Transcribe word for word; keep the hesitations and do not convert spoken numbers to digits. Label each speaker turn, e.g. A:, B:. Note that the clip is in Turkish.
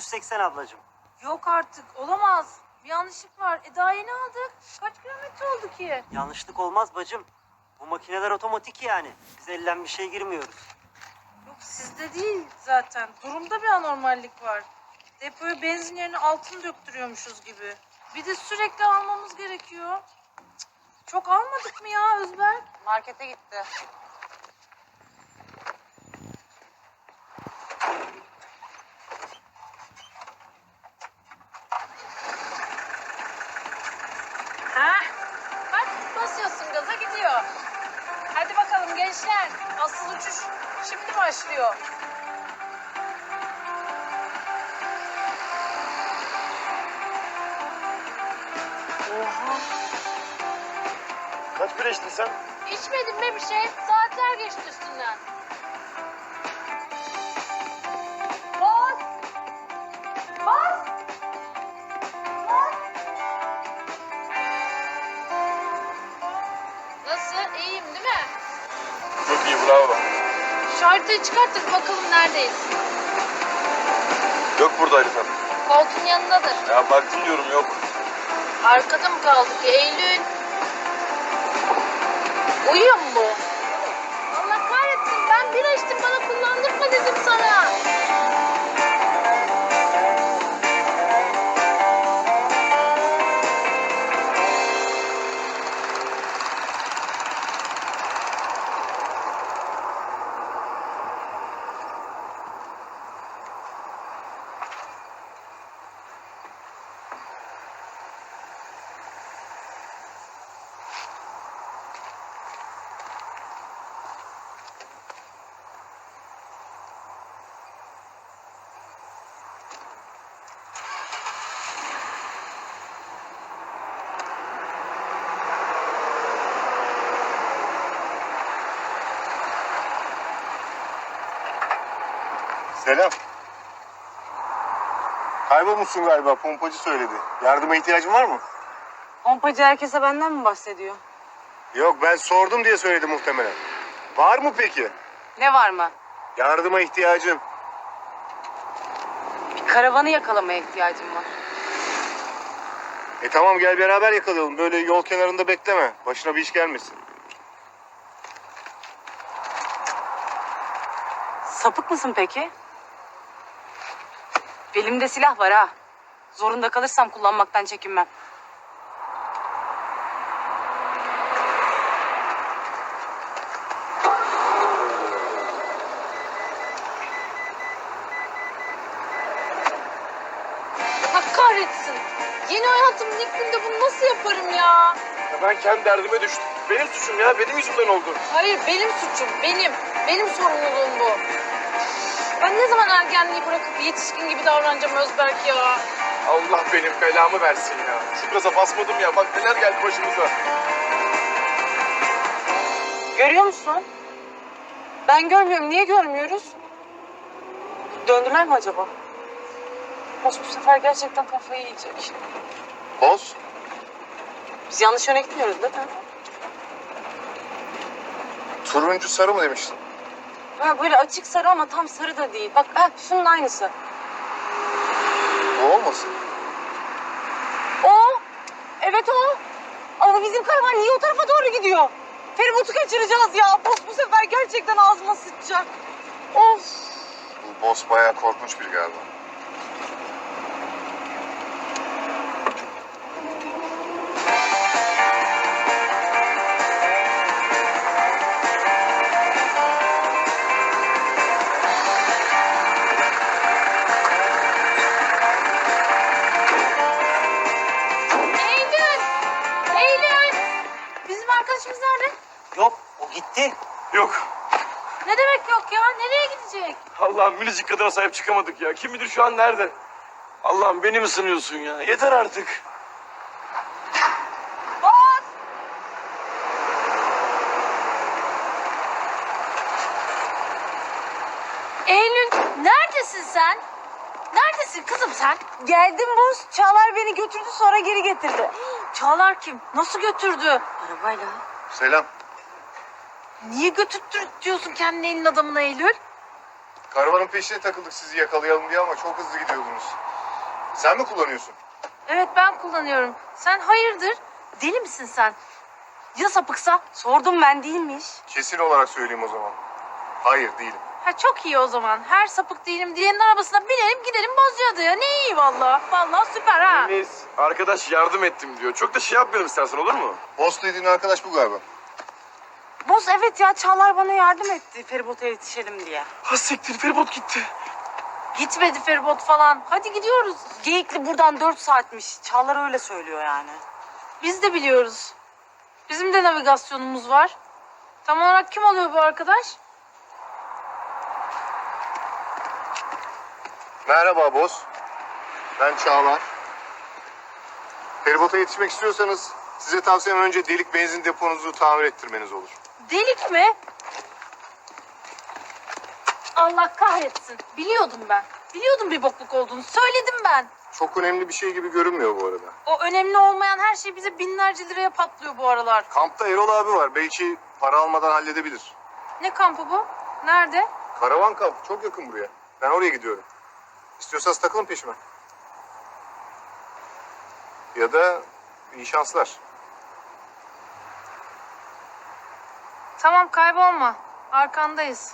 A: seksen ablacığım.
B: Yok artık, olamaz. Bir yanlışlık var. E daha yeni aldık. Kaç kilometre oldu ki?
A: Yanlışlık olmaz bacım. Bu makineler otomatik yani. Biz elden bir şey girmiyoruz.
B: Yok sizde değil zaten. Durumda bir anormallik var. Depoya benzin yerine altın döktürüyormuşuz gibi. Bir de sürekli almamız gerekiyor. Cık, çok almadık mı ya Özberk?
C: Markete gitti.
B: Ha? Bak basıyorsun gaza gidiyor. Hadi bakalım gençler. Asıl uçuş şimdi başlıyor.
C: Oha.
D: Kaç bira içtin sen?
B: İçmedim be bir şey. Saatler geçti üstünden. Bas! Bas! Bas! Nasıl? İyiyim değil mi?
D: Çok iyi, bravo.
B: Şu haritayı çıkarttık bakalım neredeyiz.
D: Yok burada harita.
B: Koltuğun yanındadır.
D: Ya baktım diyorum, yok.
B: Arkada mı kaldık Eylül? Uyuyor mu bu? Allah kahretsin ben bira içtim bana kullandırma dedim sana.
D: Selam. Kaybolmuşsun galiba, pompacı söyledi. Yardıma ihtiyacın var mı?
C: Pompacı herkese benden mi bahsediyor?
D: Yok, ben sordum diye söyledi muhtemelen. Var mı peki?
C: Ne var mı?
D: Yardıma ihtiyacım.
C: Bir karavanı yakalamaya ihtiyacım var.
D: E tamam, gel beraber yakalayalım. Böyle yol kenarında bekleme. Başına bir iş gelmesin.
C: Sapık mısın peki? Belimde silah var ha. Zorunda kalırsam kullanmaktan çekinmem.
B: Allah kahretsin. Yeni hayatımın ilk günde bunu nasıl yaparım ya?
D: Ya ben kendi derdime düştüm. Benim suçum ya, benim yüzümden oldu.
B: Hayır benim suçum benim. Benim sorumluluğum bu. Ben ne zaman ergenliği bırakıp yetişkin gibi davranacağım Özberk ya?
D: Allah benim belamı versin ya. Şu gaza basmadım ya, bak neler geldi başımıza.
C: Görüyor musun? Ben görmüyorum. Niye görmüyoruz? Döndüler mi acaba? Boş bu sefer gerçekten kafayı yiyecek.
D: Boz.
C: Biz yanlış yöne gitmiyoruz değil mi?
D: Turuncu sarı mı demiştin?
C: Ha, böyle açık sarı ama tam sarı da değil. Bak ha, şunun aynısı.
D: Bu olmasın?
C: O. Evet o. Ama bizim karavan niye o tarafa doğru gidiyor? Feribotu kaçıracağız ya. Boz bu sefer gerçekten ağzıma sıçacak. Of.
D: Bu boss bayağı korkunç biri galiba.
B: Eylül! Eylül! Bizim arkadaşımız nerede?
A: Yok o gitti.
D: Yok.
B: Ne demek yok ya? Nereye gidecek?
D: Allah'ım, minicik kadına sahip çıkamadık ya. Kim bilir şu an nerede? Allah'ım, beni mi sınıyorsun ya? Yeter artık.
B: Bas! Eylül neredesin sen? Neredesin kızım sen?
C: Geldim Boz. Çağlar beni götürdü sonra geri getirdi.
B: Çağlar kim? Nasıl götürdü?
C: Arabayla.
D: Selam.
B: Niye götürttür diyorsun kendini elin adamına Eylül?
E: Karavanın peşine takıldık sizi yakalayalım diye ama çok hızlı gidiyordunuz. Sen mi kullanıyorsun?
B: Evet ben kullanıyorum. Sen hayırdır? Deli misin sen? Ya sapıksa?
C: Sordum ben değilmiş.
E: Kesin olarak söyleyeyim o zaman. Hayır değilim.
B: Ha çok iyi o zaman. Her sapık değilim diyenin arabasına binelim gidelim Bozcaada'ya. Ne iyi valla. Valla süper ha.
D: Deniz, arkadaş yardım ettim diyor. Çok da şey yapmayalım istersen, olur mu?
E: Boss dediğin arkadaş bu galiba.
C: Boz evet ya Çağlar bana yardım etti feribota yetişelim diye.
D: Ha siktir, feribot gitti.
B: Gitmedi feribot falan. Hadi gidiyoruz.
C: Geyikli buradan dört saatmiş. Çağlar öyle söylüyor yani.
B: Biz de biliyoruz. Bizim de navigasyonumuz var. Tam olarak kim oluyor bu arkadaş?
E: Merhaba boss. Ben Çağlar. Feribota yetişmek istiyorsanız size tavsiyem önce delik benzin deponuzu tamir ettirmeniz olur.
B: Delik mi? Allah kahretsin. Biliyordum ben. Biliyordum bir bokluk olduğunu. Söyledim ben.
E: Çok önemli bir şey gibi görünmüyor bu arada.
B: O önemli olmayan her şey bize binlerce liraya patlıyor bu aralar.
E: Kampta Erol abi var. Belki para almadan halledebilir.
B: Ne kampı bu? Nerede?
E: Karavan kampı çok yakın buraya. Ben oraya gidiyorum. İstiyorsanız takılın peşime. Ya da iyi şanslar.
B: Tamam kaybolma. Arkandayız.